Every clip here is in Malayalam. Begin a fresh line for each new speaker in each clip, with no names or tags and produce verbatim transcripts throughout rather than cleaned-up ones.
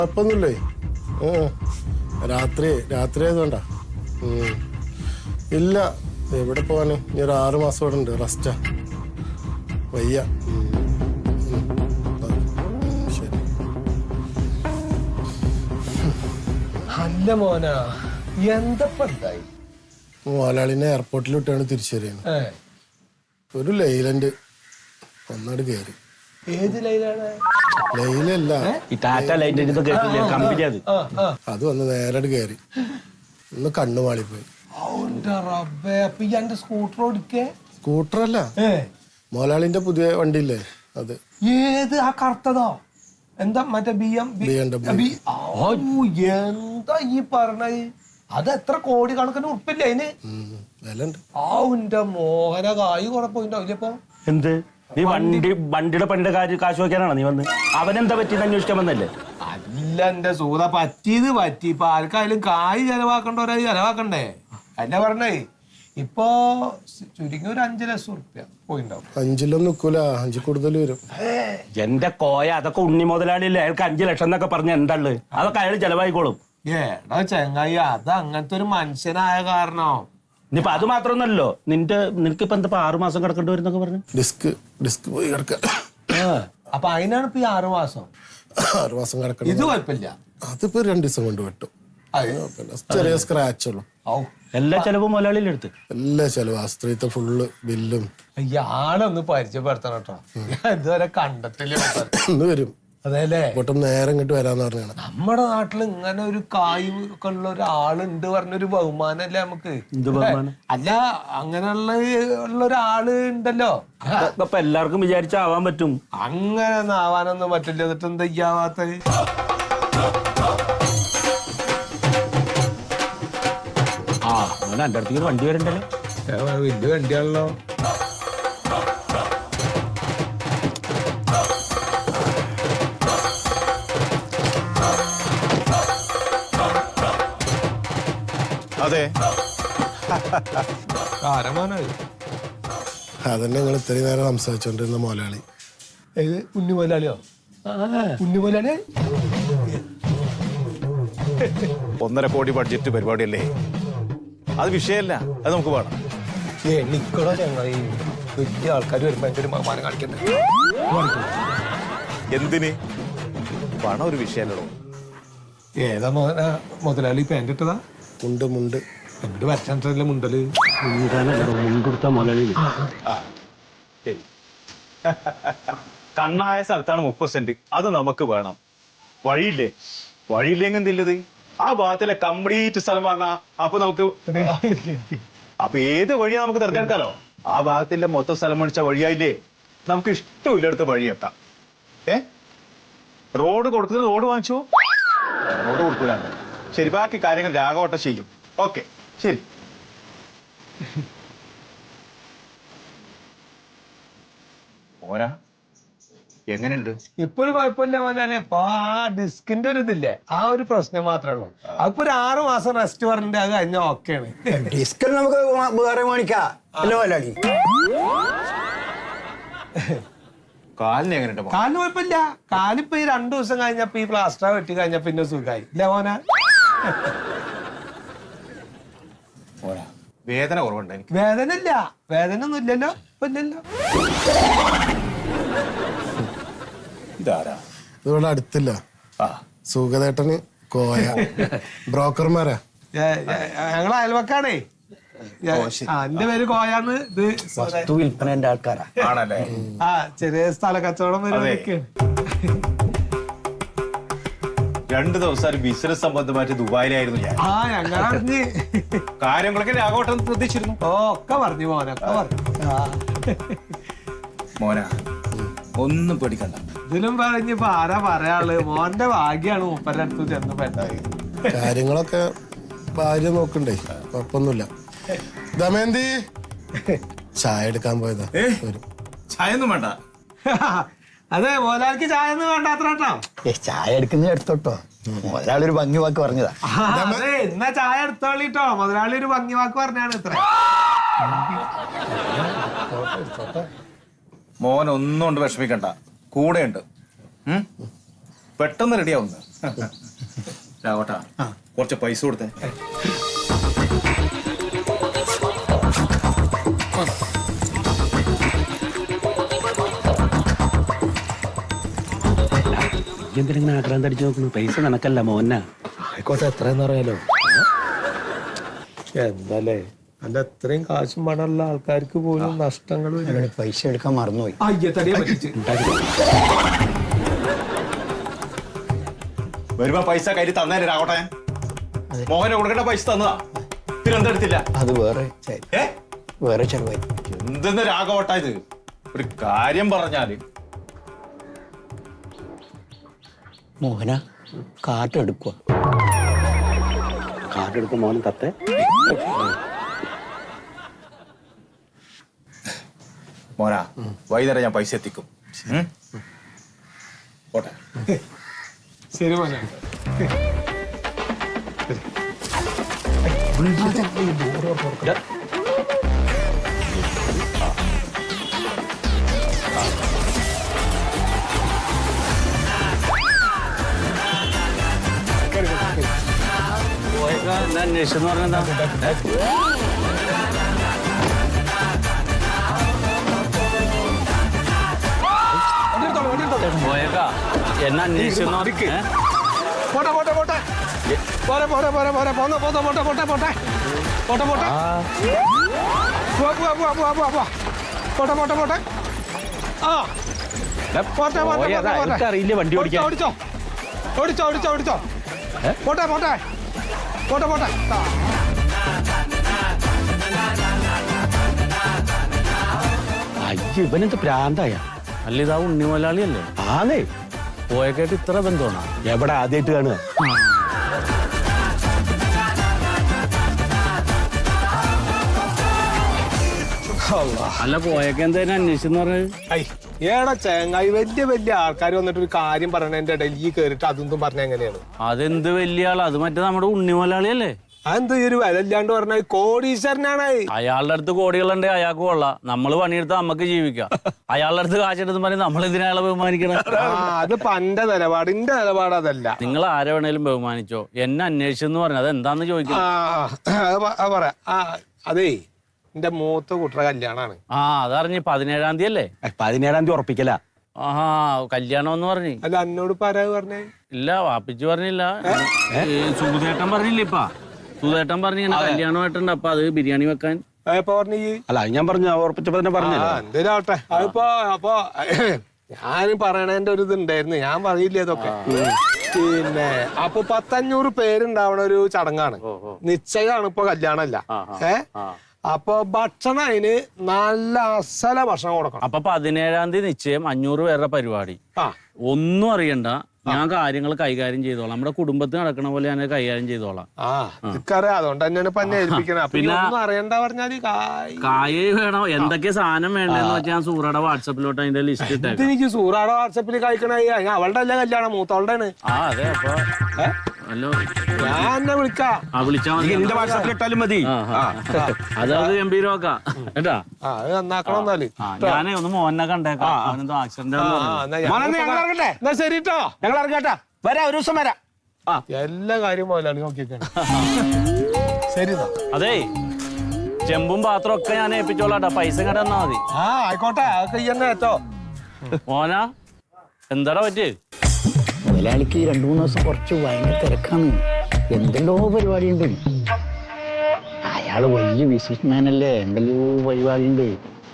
കുഴപ്പമൊന്നുമില്ലേ? രാത്രി രാത്രി ആയതുകൊണ്ടാ. ഇല്ല, എവിടെ പോവാന്? ഇനി ഒരു ആറ് മാസം ഇവിടെ ഉണ്ട്. റെസ്റ്റാ, വയ്യ. ശരി.
അല്ല മോനാ, എന്തപ്പണ്ടായി?
മോലാളിനെ എയർപോർട്ടിൽ വിട്ടാണ് തിരിച്ചു വരികയാണ്. ഒരു ലൈലൻഡ് ഒന്നാട് കയറി.
ഏത് ലൈലാണ്?
ലൈലല്ല, അത് വന്ന് നേരട് കയറി. ഒന്ന് കണ്ണു മാളിപ്പോയി. സ്കൂട്ടറല്ല, മോലാളിന്റെ പുതിയ വണ്ടിയില്ലേ അത്.
ഏത്? ആ കറുത്തതോ? എന്താ മറ്റേ ബി എം എന്താ ഈ പറഞ്ഞത്? അത് എത്ര കോടി കണക്കിന് ഉറപ്പില്ല അതിന്. ആന്റെ മോഹന കായ് കുഴപ്പമില്ല ഇപ്പൊ.
എന്ത് നീ വണ്ടി വണ്ടിയുടെ പണ്ട് കാര്യം കാശ് വയ്ക്കാനാണോ നീ വന്ന്? അവനെന്താ പറ്റിയെന്ന് അന്വേഷിക്കാൻ വന്നല്ലേ?
അല്ല എന്റെ സൂത, പറ്റിയത് പറ്റി. ഇപ്പൊ ആർക്കായാലും കായ് ചെലവാക്കണ്ടവരായി ചെലവാക്കണ്ടേ? അല്ല പറഞ്ഞേ, ഇപ്പൊ ചുരുങ്ങി ഒരു അഞ്ചു ലക്ഷം ഉറുപ്പ്യ പോയിണ്ടാവും.
അഞ്ചിലൊന്നും നിക്കൂല, അഞ്ചു കൂടുതൽ വരും.
എന്റെ കോയ, അതൊക്കെ ഉണ്ണി മുതലാളിയില്ലേ, അയാൾക്ക് അഞ്ചു ലക്ഷം എന്നൊക്കെ പറഞ്ഞ എന്താള്? അതൊക്കെ അയാൾ ചെലവായിക്കോളും.
ഏടാ ചെങ്ങായി, അത് അങ്ങനത്തെ ഒരു മനുഷ്യനായ കാരണോ?
ഇനിയിപ്പൊ അത് മാത്രമൊന്നല്ലോ, നിന്റെ നിനക്കിപ്പോ എന്താ ആറു മാസം കിടക്കേണ്ടി വരുന്നൊക്കെ പറഞ്ഞു.
ഡിസ്ക് ഡിസ്ക് പോയി കിടക്ക.
അപ്പൊ അതിനാണ് ഇപ്പൊ ഈ ആറു മാസം
ആറു മാസം കിടക്കണം.
ഇത് കുഴപ്പമില്ല,
അതിപ്പോ രണ്ടു ദിവസം കൊണ്ട് വെട്ടും. ചെറിയ സ്ക്രാച്ച് ഉള്ളു.
എല്ലാ ചെലവും മുതലാളിയിലെടുത്ത്
എല്ലാ ചെലവും ആസ്ത്രീത്തെ ഫുള്ള് ബില്ലും.
ആളൊന്ന് പരിചയപ്പെടുത്തണം കേട്ടോ, ഞാൻ ഇതുവരെ കണ്ടിട്ടില്ല.
ഇന്ന് വരും.
അതെല്ലേ,
ഇങ്ങോട്ടും നേരം ഇങ്ങോട്ട് വരാന്ന് പറഞ്ഞാണ്.
നമ്മുടെ നാട്ടിൽ ഇങ്ങനെ ഒരു കായ് ഒക്കെ ഉള്ള ഒരാളുണ്ട് പറഞ്ഞൊരു ബഹുമാനല്ലേ നമുക്ക്? അല്ല, അങ്ങനെയുള്ള ഉള്ള ഒരാള് ഉണ്ടല്ലോ.
അപ്പൊ എല്ലാവർക്കും വിചാരിച്ചാവാൻ പറ്റും.
അങ്ങനെ ഒന്നും ആവാനൊന്നും പറ്റില്ല. എന്നിട്ട് എന്താ ചെയ്യാവാത്ത?
ആ അങ്ങനെ എന്റെ അടുത്തേക്ക് വണ്ടി വരണ്ടല്ലോ.
വലിയ വണ്ടിയാണല്ലോ.
അതെ,
അതന്നെ ഞങ്ങൾ ഇത്രയും നേരം സംസാരിച്ചോണ്ടിരുന്ന മോലാളി.
ഏത് ഉണ്ണി മുതലാളിയോ? ഉണ്ണി മുതലാളി
ഒന്നര കോടി ബഡ്ജറ്റ് പരിപാടിയല്ലേ, അത് വിഷയമല്ല, അത് നമുക്ക് വേണം.
എനിക്കടോ ചങ്ങായി, വലിയ ആൾക്കാർ വരുമ്പോ എന്റെ ഒരു ബഹുമാനം കാണിക്കണ്ടേ?
എന്തിന്? പണം ഒരു വിഷയമല്ലോ.
ഏതാ മോന മുതലാളി? പാൻറ് ഇട്ടതാ?
മുണ്ട് മുണ്ട്
എന്നോട് വരച്ചാൽ മുണ്ടല്
മുൻകൊടുത്ത മുതലാളി.
കണ്ണായ സ്ഥലത്താണ് മുപ്പത് സെന്റ്, അത് നമുക്ക് വേണം. വഴിയില്ലേ? വഴിയില്ലെങ്കിൽ എന്തില്ലത്? ആ ഭാഗത്തിലെ കംപ്ലീറ്റ് സ്ഥലം വാങ്ങാം. അപ്പൊ നമുക്ക് അപ്പൊ ഏത് വഴിയാ നമുക്ക് തിരഞ്ഞെടുക്കാലോ? ആ ഭാഗത്തിന്റെ മൊത്തം സ്ഥലം മേടിച്ച വഴിയായില്ലേ, നമുക്ക് ഇഷ്ടമില്ലടുത്ത് വഴിയെത്താം. ഏ റോഡ് കൊടുക്കുന്നത് റോഡ് വാങ്ങിച്ചോ? റോഡ് കൊടുക്കൂലാണ്. ശരി, ബാക്കി കാര്യങ്ങൾ രാഘവട്ടം ചെയ്യും. ഓക്കെ, ശരി. ഓരാ എങ്ങനെയുണ്ട്?
ഇപ്പൊ ഒരു കുഴപ്പമില്ല മോനെ. ഇപ്പൊ ആ ഡിസ്കിന്റെ ഒരു ഇതില്ലേ, ആ ഒരു പ്രശ്നം മാത്രമേ ഉള്ളൂ. അപ്പൊ ഒരു ആറു മാസം റെസ്റ്റ് പറഞ്ഞിട്ട് അത് കഴിഞ്ഞ ഓക്കെയാണ്.
ഡിസ്ക് നമുക്ക് വേറെ മേടിക്കാം.
കാലിന് എങ്ങനെയുണ്ട്?
കാലിന് കുഴപ്പമില്ല. കാലിപ്പോ ഈ രണ്ടു ദിവസം കഴിഞ്ഞപ്പോ ഈ പ്ലാസ്റ്റർ വെട്ടി കഴിഞ്ഞ പിന്നെ സുഖമായി. ഇല്ല മോന?
വേദന കുറവുണ്ട് എനിക്ക്.
വേദന ഇല്ല, വേദന ഒന്നും ഇല്ലല്ലോ. ഇപ്പൊ ഇല്ലല്ലോ.
ഇതാരാ?
ഇവിടെ അടുത്തില്ല. സുഖദേട്ടന് കോയ ബ്രോക്കർമാരാ.
ഞങ്ങളെ അയൽവക്കാണേ. എന്റെ പേര് കോയാന്ന്. ഇത്
വിൽപ്പനന്റെ ആൾക്കാരാ.
ആണല്ലേ?
ആ ചെറിയ സ്ഥല കച്ചവടം വരുന്നൊക്കെയാണ്.
രണ്ടു ദിവസം ബിസിനസ് സംബന്ധമായിട്ട് ദുബായിലായിരുന്നു ഞാൻ.
ആ ഞങ്ങളറിഞ്ഞ്
കാര്യങ്ങളൊക്കെ രാഘവട്ടം ശ്രദ്ധിച്ചിരുന്നു.
ഓ ഒക്കെ പറഞ്ഞു മോനൊക്കെ പറഞ്ഞു.
മോന ഒന്നും പേടിക്കണ്ട.
ഇതിലും പറഞ്ഞിപ്പോ ആരാ പറയാള്? മോന്റെ ഭാഗ്യാണ് മൂപ്പരുടെ അടുത്ത് ചെന്ന് പെട്ടത്.
കാര്യങ്ങളൊക്കെ ഭാര്യ നോക്കണ്ടേ, കുഴപ്പമൊന്നുമില്ല. ദമയന്തി ചായ എടുക്കാൻ പോയതാ.
ചായ ഒന്നും വേണ്ട.
അതെ, മോലാൾക്ക് ചായ ഒന്നും വേണ്ട അത്ര കേട്ടോ.
ചായ എടുക്കുന്ന എടുത്തോട്ടോ, മുതലാളൊരു ഭംഗി വാക്ക് പറഞ്ഞതാ.
അതെ, എന്നാ ചായ എടുത്തോളിട്ടോ. മുതലാളി ഒരു ഭംഗി വാക്ക് പറഞ്ഞാണ് ഇത്ര.
മോൻ ഒന്നും കൊണ്ട് വിഷമിക്കണ്ട, കൂടെ ഉണ്ട്. പെട്ടെന്ന് റെഡിയാവുന്നു. രാവട്ടാ കുറച്ച് പൈസ കൊടുത്തേ.
എന്തിനാ ആഗ്രഹം തടിച്ചു നോക്കുന്നു? പൈസ നിനക്കല്ല മോന.
ആയിക്കോട്ടെ, എത്രയെന്ന് അറിയാലോ. എന്താലേ അല്ല, എത്രയും കാശും പണമുള്ള ആൾക്കാർക്ക് പോലും നഷ്ടങ്ങൾ
പൈസ എടുക്കാൻ മറന്നുപോയി.
അയ്യത്തടിയെ പറ്റിച്ച്
വരുമ്പോ പൈസ കയ്യിൽ തന്നേരെ രാവട്ടെ. മോഹനെ കൊടുക്കേണ്ട പൈസ തന്നതാ, തിരുവനന്തപുരത്തില്ല.
അത് വേറെ ചെ-
ഏ
വേറെ ചെലവായി.
എന്തെന്ന് രാഘവട്ട ഇത്? ഒരു കാര്യം പറഞ്ഞാല്
മോഹന കാട്ടെടുക്കുക.
കാർഡെടുക്കും മോനും തത്തെ.
മോനാ, വൈകുന്നേരം ഞാൻ പൈസ എത്തിക്കും. ഉം? പോട്ടെ.
ശരി മോനെ.
അന്വേഷിച്ചെന്ന് പറഞ്ഞെന്താ? പോയേക്കാ എന്നെ അന്വേഷിച്ചെന്ന് പറഞ്ഞേ.
പോട്ടെ പോട്ടെ പോട്ടെ പോരെ പോരെ പോരെ പോരെ പോന്ന പോന്ന പോട്ടെ പോട്ടെ പോട്ടെ പോട്ടെ പോട്ടെ പോവാ പോവാ പോവാ പോവാ പോവാ പോവാ പോട്ടെ പോട്ടെ പോട്ടെ ആ പോട്ടെ പോട്ടെ പോട്ടെ
അറിയില്ല വണ്ടി ഓടിക്കാൻ.
ഓടിച്ചോ ഓടിച്ചോ ഓടിച്ചോ ഓടിച്ചോ പോട്ടെ പോട്ടെ പോട്ടെ പോട്ടെ.
അയ്യോ, ഇവനെന്ത് പ്രാന്തായ?
അല്ല ഇതാ ഉണ്ണി മുതലാളിയല്ലേ?
ആന്നേ.
പോയേക്കായിട്ട് ഇത്ര ബന്ധമാണോ?
എവിടെ ആദ്യമായിട്ട് കാണുക?
അല്ല പോയേക്ക എന്തായാലും അന്വേഷിച്ചെന്ന് പറഞ്ഞത്?
ഐ ഏടാ ചേങ്ങായി, വലിയ വലിയ ആൾക്കാർ വന്നിട്ട് ഒരു കാര്യം പറയണതിന്റെ ഇടയിൽ ഈ കേറിട്ട് അതൊന്നും പറഞ്ഞ എങ്ങനെയാണ്?
അതെന്ത് വലിയ ആളാ? അത് മറ്റേ നമ്മുടെ ഉണ്ണി മുതലാളിയല്ലേ?
അതെന്താ ഈ ഒരു വില ഇല്ലാണ്ട് പറഞ്ഞ? കോടീശ്വരനാണ്.
അയാളുടെ അടുത്ത് കോടികളുണ്ട്, അയാൾക്ക് കൊള്ളാം. നമ്മള് പണിയെടുത്ത് നമുക്ക് ജീവിക്കാം. അയാളുടെ അടുത്ത് കാശെടുത്ത് പറഞ്ഞ് നമ്മൾ എന്തിനാ അയാളെ ബഹുമാനിക്കണം?
അത് പന്റെ നിലപാട്, എന്റെ നിലപാട് അതല്ല.
നിങ്ങൾ ആരെ വേണേലും ബഹുമാനിച്ചോ. എന്നെ അന്വേഷിച്ചെന്ന് പറഞ്ഞു, അത് എന്താന്ന് ചോദിക്കാം.
ആ പറയാ. ആ അതേ, എന്റെ മൂത്ത കുട്ടറ കല്യാണാണ്.
ആ അതറിഞ്ഞ് പതിനേഴാം തീയതി അല്ലേ?
പതിനേഴാം തീയതി ഉറപ്പിക്കല.
ആഹാ, കല്യാണം എന്ന് പറഞ്ഞു.
അല്ല എന്നോട് പറയാ പറഞ്ഞേ?
ഇല്ല, വാപ്പിച്ചു പറഞ്ഞില്ല. സുധേട്ടൻ പറഞ്ഞില്ല. ഇപ്പാ സുധേട്ടൻ പറഞ്ഞു ഇങ്ങനെ കല്യാണമായിട്ടുണ്ട്, അപ്പൊ അത് ബിരിയാണി വെക്കാൻ.
എപ്പോ പറഞ്ഞു?
അല്ല, അത് ഞാൻ പറഞ്ഞു, ഉറപ്പിച്ചപ്പോ തന്നെ പറഞ്ഞു.
എന്തേലും ആവട്ടെ. അതിപ്പോ അപ്പൊ ഞാൻ പറയണതിന്റെ ഒരു ഇതുണ്ടായിരുന്നു, ഞാൻ പറയില്ലേ അതൊക്കെ. പിന്നെ അപ്പൊ പത്തഞ്ഞൂറ് പേരുണ്ടാവണ ഒരു ചടങ്ങാണ്. നിശ്ചയമാണ്, ഇപ്പൊ കല്യാണമല്ല. ഏ അപ്പൊ ഭക്ഷണം അതിന് നല്ല അസല ഭക്ഷണം കൊടുക്കണം.
അപ്പൊ പതിനേഴാം തീയതി നിശ്ചയം, അഞ്ഞൂറ് പേരുടെ പരിപാടി.
ആ
ഒന്നും അറിയണ്ട, ഞാൻ കാര്യങ്ങൾ കൈകാര്യം ചെയ്തോളാം. നമ്മുടെ കുടുംബത്തിൽ നടക്കണ പോലെ ഞാൻ കൈകാര്യം ചെയ്തോളാം.
ആ ഇക്കറിയാം, അതുകൊണ്ട് തന്നെയാണ് ഇപ്പൊ എന്നെ ഏൽപ്പിക്കണത്. പിന്നെ ഒന്നും അറിയണ്ട പറഞ്ഞാല്
കായ് വേണോ, എന്തൊക്കെ സാധനം വേണ്ടെന്ന് വെച്ചാൽ ഞാൻ സൂറയുടെ വാട്സപ്പിലോട്ട് അതിന്റെ ലിസ്റ്റ് ഇട്ടേക്കാം.
എനിക്ക് സൂറാടെ വാട്സപ്പിൽ കഴിക്കണ അവളുടെ അല്ല കല്യാണം, മൂത്തോളുടെ ആണ്.
ആ അതെ. അപ്പൊ ഹലോ,
ഞാൻ എന്നെ വിളിക്കാം.
ആ വിളിച്ചാ മതി.
എന്റെ വാട്സാപ്പിൽ ഇട്ടാലും മതി.
അതത് ഗംഭീരമാക്കാം കേട്ടാ.
ആ അത് നന്നാക്കണം എന്നാല്.
ഞാനേ ഒന്ന് മോനെ കണ്ടേക്കാം. അവനെന്തോ ആക്സിഡന്റ്
എന്നാ ശരി കേട്ടോ,
ഞങ്ങൾ ഇറങ്ങാട്ടാ. വരാം, ഒരു ദിവസം വരാം.
എല്ലാ കാര്യം മുതലാണ് നോക്കിയേക്കാണ്. ശരി
അതേ, ചെമ്പും പാത്രം ഒക്കെ ഞാൻ ഏൽപ്പിച്ചോളാട്ടാ. പൈസ ഇങ്ങോട്ട് തന്നാ മതി.
ആ ആയിക്കോട്ടെ, അതൊക്കെ ഈ തന്നെ കേട്ടോ.
മോനാ, എന്താടാ പറ്റി?
മുതലാളിക്ക് രണ്ടു മൂന്ന് ദിവസം കുറച്ച് ഭയങ്കര തിരക്കാണ്. എന്തെല്ലോ പരിപാടിയുണ്ട്. അയാള് വലിയ ബിസിനസ്മാൻ അല്ലേ, എന്തെല്ലോ പരിപാടിയുണ്ട്.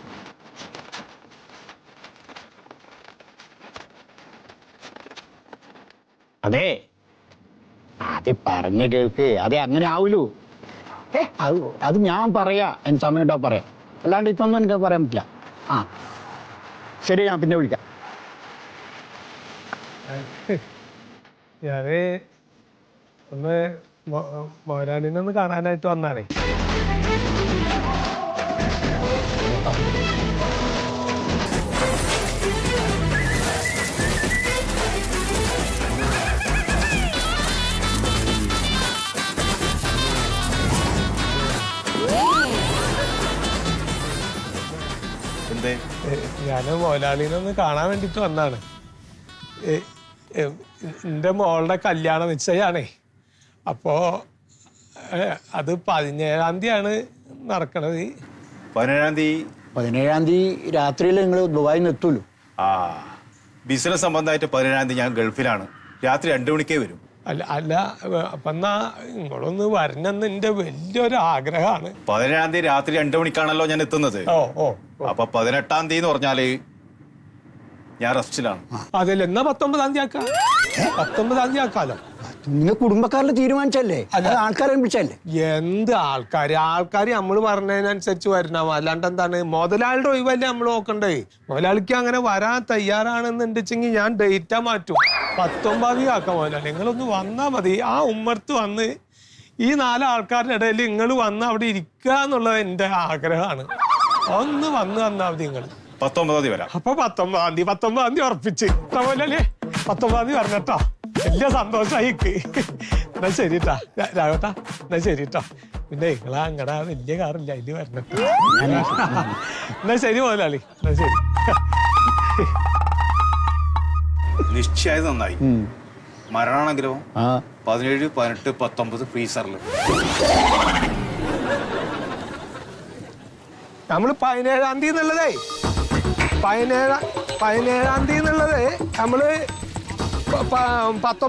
അതെ, അത് പറഞ്ഞ കേൾക്ക്. അതെ, അങ്ങനെ ആവൂലൂ. ഏ അത് അത് ഞാൻ പറയാ, എന്റെ സമയം കേട്ടോ പറയാം. അല്ലാണ്ട് ഇപ്പൊന്നും എനിക്ക് പറയാൻ പറ്റില്ല. ആ ശരി, ഞാൻ പിന്നെ വിളിക്കാം.
ഞാന് ഒന്ന് മോരാളിനെ ഒന്ന് കാണാനായിട്ട് വന്നാണേ. ഞാന് മോലാളിനെ ഒന്ന് കാണാൻ വേണ്ടിട്ട് വന്നാണ്. എൻ്റെ മോളുടെ കല്യാണ നിശ്ചയാണേ. അപ്പോ ഏ, അത് പതിനേഴാം തീയതിയാണ് നടക്കണത്.
പതിനേഴാം തീയതി
പതിനേഴാം തീയതി രാത്രിയിൽ നിങ്ങൾ ദുബായിൽ നിന്ന് എത്തുമല്ലോ.
ആ ബിസിനസ് സംബന്ധമായിട്ട് പതിനേഴാം തീയതി ഞാൻ ഗൾഫിലാണ്. രാത്രി രണ്ടു മണിക്കേ വരും.
അല്ല അല്ല അപ്പം എന്നാ നിങ്ങളൊന്ന് വരണമെന്ന് എൻ്റെ വലിയൊരു ആഗ്രഹമാണ്.
പതിനേഴാം തീയതി രാത്രി രണ്ടു മണിക്കാണല്ലോ ഞാൻ എത്തുന്നത്.
ഓ ഓ
അപ്പൊ പതിനെട്ടാം തീയതി എന്ന് പറഞ്ഞാല് ഞാൻ റെസ്റ്റിലാണ്.
അതല്ല, എന്നാ പത്തൊമ്പതാം തീയതി ആക്കാം. പത്തൊമ്പതാം തീയതി ആക്കാലോ.
നിങ്ങൾ കുടുംബക്കാരിൽ തീരുമാനിച്ചല്ലേ, അത് ആൾക്കാരെ വിളിച്ചല്ലേ?
എന്ത് ആൾക്കാര് ആൾക്കാർ നമ്മൾ പറഞ്ഞതിനനുസരിച്ച് വരണം. അല്ലാണ്ട് എന്താണ് മുതലാളിയുടെ ഒഴിവല്ലേ നമ്മൾ നോക്കണ്ടേ? മുതലാളിക്ക് അങ്ങനെ വരാൻ തയ്യാറാണെന്നുണ്ടെച്ചെങ്കിൽ ഞാൻ ഡേറ്റാ മാറ്റും. പത്തൊമ്പതാം തീയതി ആക്കാം മുതലാളി. നിങ്ങളൊന്ന് വന്നാൽ മതി. ആ ഉമ്മർത്ത് വന്ന് ഈ നാല് ആൾക്കാരുടെ ഇടയിൽ നിങ്ങൾ വന്ന് അവിടെ ഇരിക്കുക എന്നുള്ളത് എൻ്റെ ആഗ്രഹമാണ്. ഒന്ന് വന്ന് വന്നാൽ മതി നിങ്ങൾ.
പത്തൊമ്പതാം തീയതി വരാം.
അപ്പൊ പത്തൊമ്പതാം തീയതി പത്തൊമ്പതാം തീയതി ഉറപ്പിച്ച് പോലല്ലേ? പത്തൊമ്പതാം തീയതി പറഞ്ഞട്ടോ. വലിയ സന്തോഷമായി. എന്നാ ശരിട്ടാ രാഘവട്ടാ, എന്നാ ശരിട്ടോ. പിന്നെ നിങ്ങളാ അങ്ങടെ വലിയ കാറില്ല, അതില് വരണട്ടോ. എന്നാ ശരി മുതലാളി, എന്നാ ശരി.
നിശ്ചയത് നന്നായി. മരണാണെങ്കിലോ
ആ
പതിനേഴ് പതിനെട്ട് പത്തൊമ്പത് ഫ്രീസറിൽ.
നമ്മള് പതിനേഴാം തീയതി എന്നുള്ളതേ പതിനേഴാം പതിനേഴാം തീയതി എന്നുള്ളത് നമ്മള് പത്തൊമ്പത്